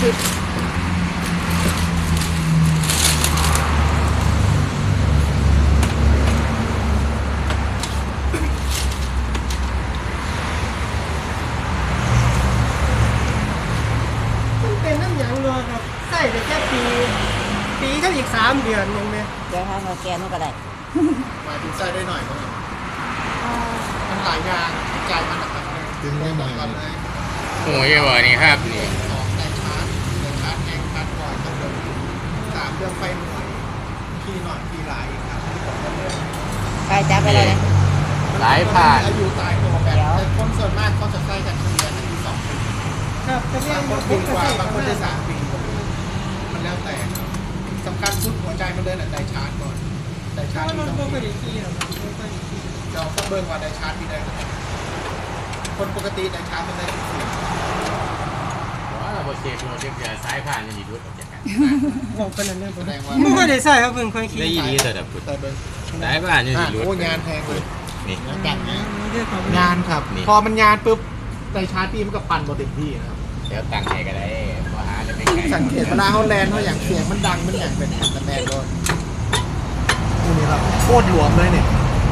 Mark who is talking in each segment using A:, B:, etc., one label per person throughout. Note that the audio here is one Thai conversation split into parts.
A: สิบมันเป็นน้ำยางรัวครับใส่ไปแค่ปีก็อีก3 เดือนเองเนี่ย
B: เดี๋ยวถ้าเราแกนู่นก็ได้
C: มาถึงใส่ได้หน่อยมั้งมันหลายอย่างใจมันนะครับดึงได้หน่อยก่อนเลย
D: โอ้ยบ่นี่ครับนี่
C: ออกแต่ชาร์จแองชาร์จบ่อยต้องเดิน3 เรื่องไฟหน่วยขี่หน่อยขี่หลายอีกครับที่ผมก็เลย
B: ไปจับไปเลยนะ
D: หลายผ่าน
C: อายุตายตัวแบบแต่คนส่วนมากเขาจะใส่กันเฉลี่ยที่2 ปี
A: ครับจะเรีย
C: บาก งคน
A: ผ
C: ปี
A: ม
C: ก
A: ก็
C: ว่า
A: ใส่
C: บางคนได้
A: 3
C: 3 ปีมันแล้วแต่สำคัญสุดหัวใจมันเดินใจชาร์จก่อนใจ
A: เพ
C: ชา
A: ราะ
C: ร์จ
A: ว่า
C: ที่
A: มัน
C: ต้อง
A: ก็
C: ปี
A: ไม่ได้ขี้หรอกมันก็ไม่ได้ขี้
C: เราต้องเบิ่งว่าได้ชาร์จที่ได้คนปกติได้ชาร์จมันได้14
D: ว่าบ่เชฟเราเรียกจะสายผ่านนี่ดูดออกจากกัน
A: บอกกันนั่นเลย
C: แสดงว่า
A: ไม่ค่อยได้ใส่ครับเพิ่งค่อยขี้
D: ได้ยินดีแต่แบบ
C: แต่เบิ่ง
D: สายผ่านนี่สิดูด
C: โอ้ยานแพงเลย
D: นี่
C: งานกันนะ
A: ด้วยความ
C: งานครับ
D: นี่
C: พอมันงานปุ๊บได้ชาร์จพี่มันก็ปั่นบอเต็มที่นะครับ
D: แล้วตั้งใจก็ได้บ่หาจะไม่ไกล
C: สังเกตเวลาเขาแลนเขาอย่างเสียงมันดังมันอย่างเป็นแต่แมนโดนนี่ครับโคตรหลวมเลยเนี่ย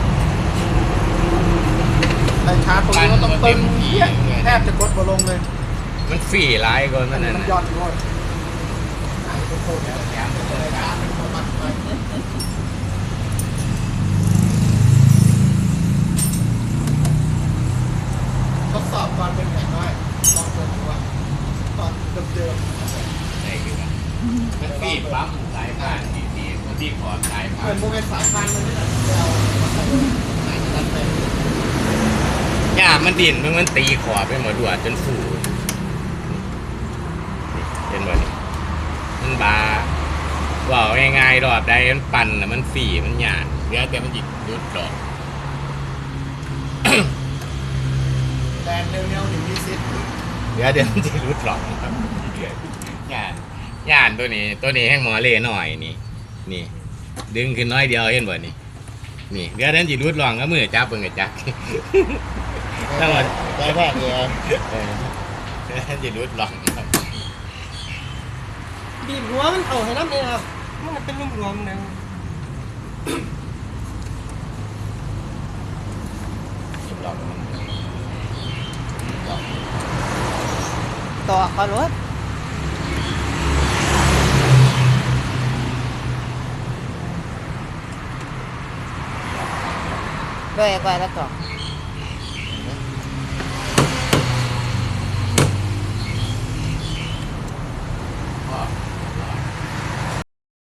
C: ได้ชาร์จตรงนี้ก็ต้องตึงเหี้ยแทบจะกดบอลงเลย
D: มันฟรีหลายก่อนมันนั่น
C: มัน
D: น่ะ
C: ยอดเลยโคตรเนี่ยแถมเลยชาร์จเป็นตัวมันไปทดสอบก่อนเป็นอย่างน้อยลองเปิดดูว่าตอนเดิมๆ
D: ได้คือกันมันฟรีปั๊มสายผ่านดีๆมันที่ขอสาย
C: เห
D: ผ่า
C: มือน นโมเมนต์สายพันธุ์มันนี่แหละเดียวมันใส่ไหนจะรันไป
D: ย่ามันดินมันตีขอบไปหมดดวดจนฟูเห็นบ่นี่มันบาว่าง่ายๆรอบใดมันปั่นน่ะมันฟรีมันหยาดเหลือแต่มันหยิบยุดดอก
C: แดนเร็วๆหนึ่งที่ซิด
D: เดี๋ยวมันจะรุดหรอกครับย่านตัวนี้ให้หมอเล่หน่อยนี่ดึงขึ้นน้อยเดียวเห็นบ่นี่เดี๋ยวนั้นจะรุดหลองก็มือจับเบิ่งกระจัก ทั้งหมด
C: ได้แพงเลย
D: เดี๋ยวนั้นจะรุดหลองครับ
A: บีบหัวมันเอาให้น้ำเนี่ยครับมันเป็นรวมๆนะ
D: หลองมันหลอง
B: ต่อก็รถด้วยกว่าแล้วต่อ